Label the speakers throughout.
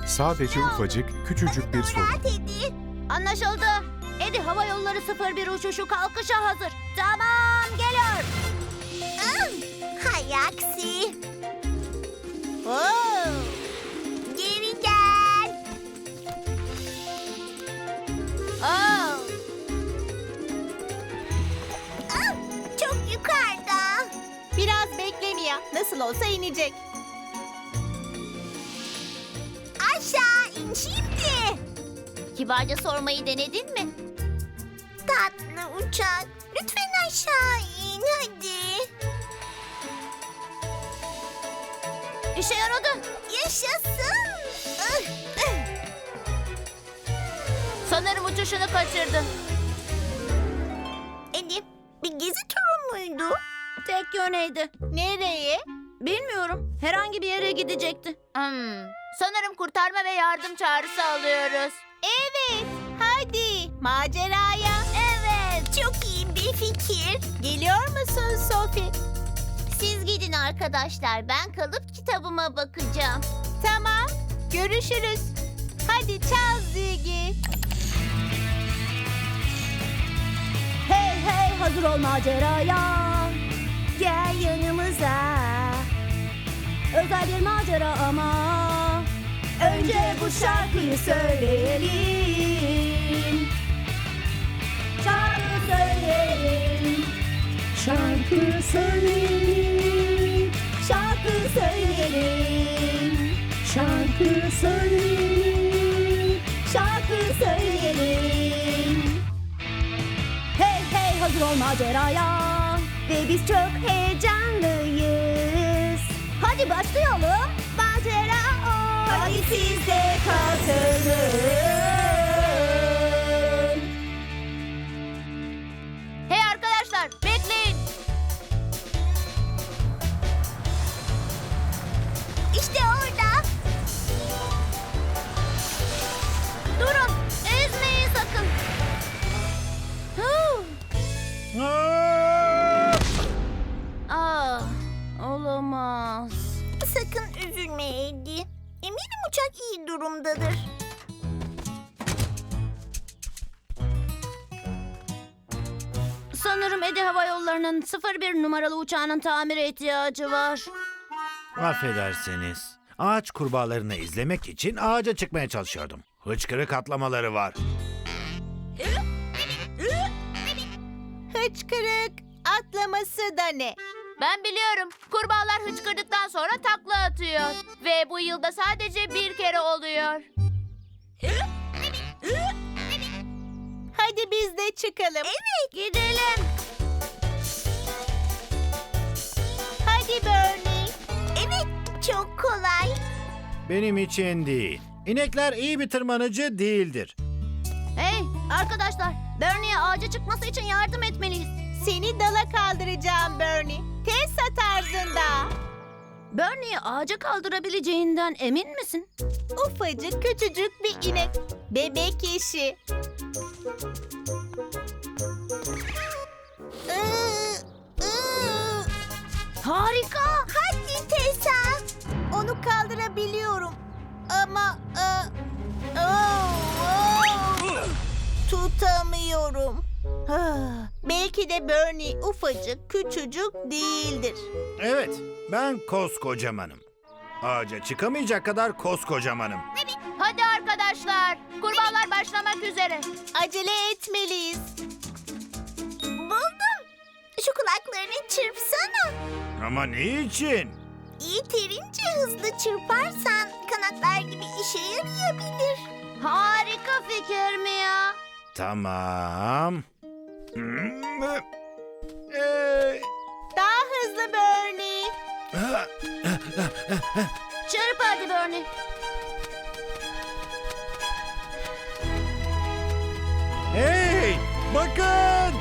Speaker 1: Sadece ufacık, küçücük bir sorun.
Speaker 2: Rahat Eddie. Anlaşıldı. Eddie hava yolları 01 uçuşu kalkışa hazır. Tamam, geliyor. Hay aksi. Geri gel. Çok yukarıda.
Speaker 3: Biraz bekle Mia. Nasıl olsa inecek.
Speaker 2: Aşağı in şimdi. Kibarca sormayı denedin mi? Tatlı uçak. Lütfen aşağı in hadi. İşe yaradı. Yaşasın. Sanırım uçuşunu kaçırdın. Eddie, bir gezi turu muydu? Tek yöneydi.
Speaker 3: Nereye?
Speaker 2: Bilmiyorum. Herhangi bir yere gidecekti. Sanırım kurtarma ve yardım çağrısı alıyoruz.
Speaker 3: Evet. Hadi maceraya.
Speaker 2: Evet, çok iyi bir fikir.
Speaker 3: Geliyor musun Sophie?
Speaker 2: Siz gidin arkadaşlar. Ben kalıp kitabıma bakacağım.
Speaker 3: Tamam. Görüşürüz. Hadi çal Ziggy.
Speaker 2: Hey hey, hazır ol maceraya. Gel yanımıza. Özel bir macera ama. Önce bu şarkıyı söyleyelim. Şarkı söyleyelim.
Speaker 4: Şarkı söyleyelim,
Speaker 2: Şarkı söyleyelim.
Speaker 4: şarkı söyleyelim.
Speaker 2: Şarkı söyleyelim. Hey hey, hazır ol maceraya. Ve biz çok heyecanlıyız. Hadi başlayalım. Macera o. Hadi siz de katılın. Hey arkadaşlar, bekleyin. İşte orada. Durun, ezmeyin sakın. Olamaz. Sakın üzülme Eddie. Eminim uçak iyi durumdadır. Sanırım Eddie Hava Yolları'nın 01 numaralı uçağının tamire ihtiyacı var.
Speaker 5: Affedersiniz. Ağaç kurbağalarını izlemek için ağaca çıkmaya çalışıyordum. Hıçkırık atlamaları var.
Speaker 3: Hıçkırık atlaması da ne?
Speaker 2: Ben biliyorum. Kurbağalar hıçkırdıktan sonra takla atıyor. Ve bu yılda sadece bir kere oluyor.
Speaker 3: Hadi biz de çıkalım.
Speaker 2: Evet, gidelim.
Speaker 3: Hadi Bernie.
Speaker 2: Evet, çok kolay.
Speaker 5: Benim için değil. İnekler iyi bir tırmanıcı değildir.
Speaker 2: Hey arkadaşlar, Bernie'ye ağaca çıkması için yardım etmeliyiz.
Speaker 3: Seni dala kaldıracağım Bernie. Tessa tarzında.
Speaker 2: Bernie'yi ağaca kaldırabileceğinden emin misin?
Speaker 3: Ufacık küçücük bir inek. Bebek işi.
Speaker 2: Harika.
Speaker 3: Hadi Tessa. Onu kaldırabiliyorum. Ama tutamıyorum. Belki de Bernie ufacık, küçücük değildir.
Speaker 5: Evet, ben koskocamanım. Ağaca çıkamayacak kadar koskocamanım.
Speaker 2: Hadi arkadaşlar, kurbağalar başlamak üzere.
Speaker 3: Acele etmeliyiz.
Speaker 2: Buldum. Şu kulaklarını çırpsana.
Speaker 5: Ama niçin?
Speaker 2: Yeterince hızlı çırparsan kanatlar gibi işe yarayabilir. Harika fikir mi ya?
Speaker 5: Tamam.
Speaker 3: Daha hızlı Bernie.
Speaker 2: Çırp hadi Bernie.
Speaker 5: Hey, bakın!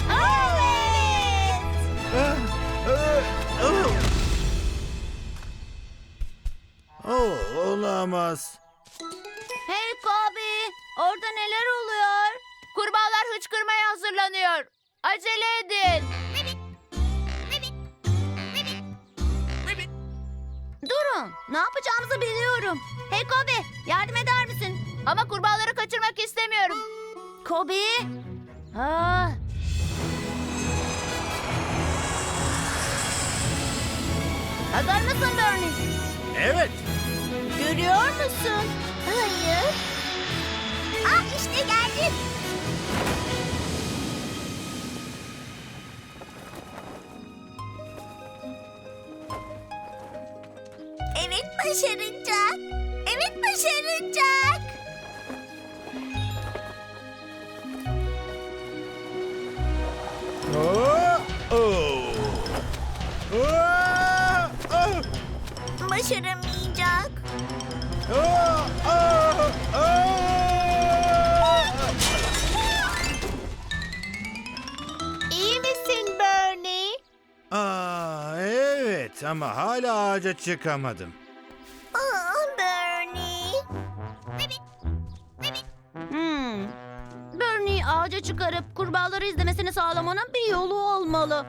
Speaker 5: Oh, olamaz.
Speaker 2: Hey Kobi, orada neler oluyor? Kurbağalar hıçkırmaya hazırlanıyor. Acele edin. Dur
Speaker 6: Durun. Ne yapacağımızı biliyorum. Hey Kobe, yardım eder misin?
Speaker 2: Ama kurbağaları kaçırmak istemiyorum.
Speaker 6: Kobe.
Speaker 2: Ah,
Speaker 6: Hazır mısın Bernie?
Speaker 5: Evet.
Speaker 3: Görüyor musun?
Speaker 6: Hayır. Ah işte geldim. Evet başaracak. Evet başaracak.
Speaker 5: Oh, oh. Oh, oh.
Speaker 6: Başaramayacak.
Speaker 5: Oh, oh, oh.
Speaker 3: İyi misin Bernie?
Speaker 5: Evet ama hala ağaca çıkamadım.
Speaker 6: Bernie. Bernie ağaca çıkarıp kurbağaları izlemesini sağlamanın bir yolu olmalı.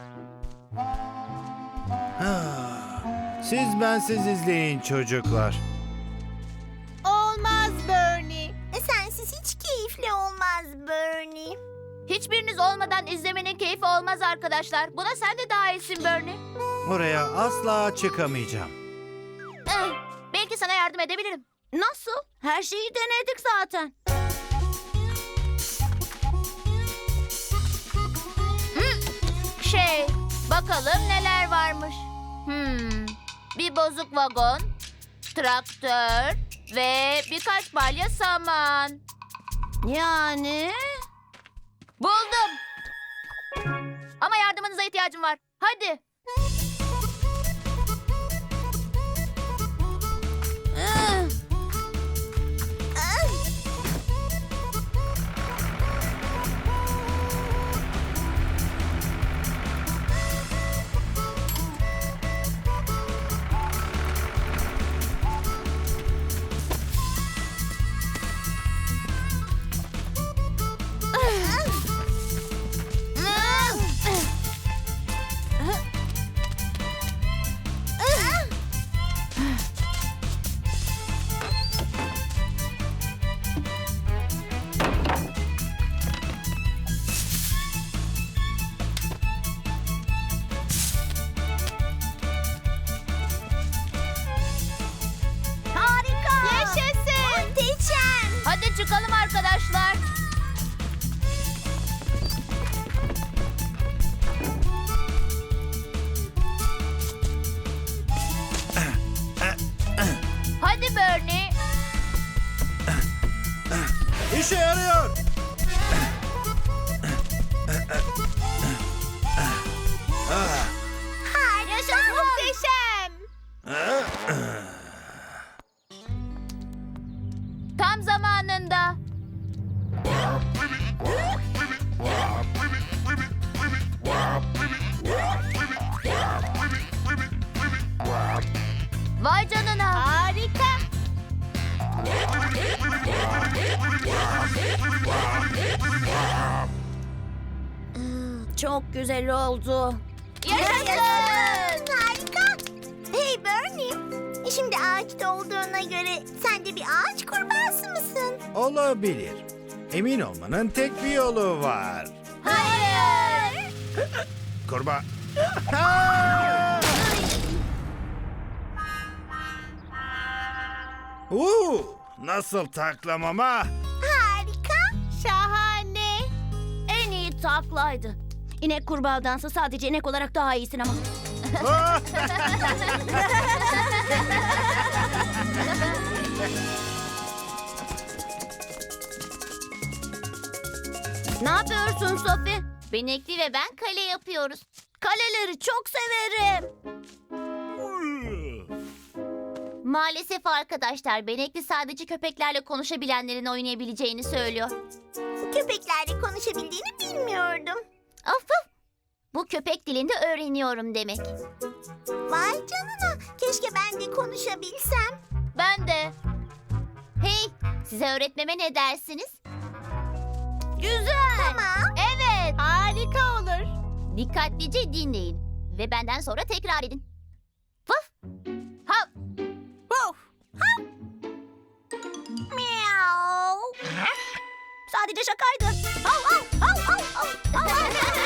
Speaker 5: Siz bensiz izleyin çocuklar.
Speaker 3: Olmaz Bernie.
Speaker 6: Sensiz hiç keyifli olmaz Bernie.
Speaker 2: hiçbiriniz olmadan izlemenin keyfi olmaz arkadaşlar. Buna sen de dahilsin Bernie.
Speaker 5: Oraya asla çıkamayacağım.
Speaker 2: Belki sana yardım edebilirim.
Speaker 6: Nasıl? Her şeyi denedik zaten.
Speaker 2: Bakalım neler varmış. Bir bozuk vagon, traktör ve birkaç balya saman.
Speaker 6: Yani?
Speaker 2: Buldum. Ama yardımınıza ihtiyacım var. Hadi.
Speaker 6: Harika!
Speaker 3: Yaşasın.
Speaker 6: Muhteşem!
Speaker 2: Hadi çıkalım arkadaşlar. Hadi Bernie.
Speaker 5: İşe yarıyor.
Speaker 3: Yaşasın. Muhteşem.
Speaker 2: Tam zamanında. Vay canına.
Speaker 3: Harika.
Speaker 6: Çok güzel oldu.
Speaker 2: Yaşasın.
Speaker 6: Harika! Hey Bernie, şimdi ağaçta olduğuna göre sen de bir ağaç kurbağası mısın?
Speaker 5: Olabilir. Emin olmanın tek bir yolu var.
Speaker 2: Hayır.
Speaker 5: Kurbağa. Nasıl taklamama?
Speaker 6: Harika!
Speaker 3: Şahane.
Speaker 6: En iyi taklaydı. İnek kurbağadansa sadece inek olarak daha iyisin ama. Ne yapıyorsun Sophie?
Speaker 2: Benekli ve ben kale yapıyoruz.
Speaker 6: Kaleleri çok severim.
Speaker 2: Maalesef arkadaşlar, Benekli sadece köpeklerle konuşabilenlerin oynayabileceğini söylüyor.
Speaker 6: Köpeklerle konuşabildiğini bilmiyordum.
Speaker 2: Of of. Bu köpek dilinde öğreniyorum demek.
Speaker 6: Vay canına, keşke ben de konuşabilsem.
Speaker 2: Ben de. Hey, size öğretmeme ne dersiniz?
Speaker 6: Güzel. Tamam.
Speaker 2: Evet.
Speaker 3: Harika olur.
Speaker 2: Dikkatlice dinleyin ve benden sonra tekrar edin. Vaf. Hap.
Speaker 6: Sadece şakaydı. Hav hav hav hav hav.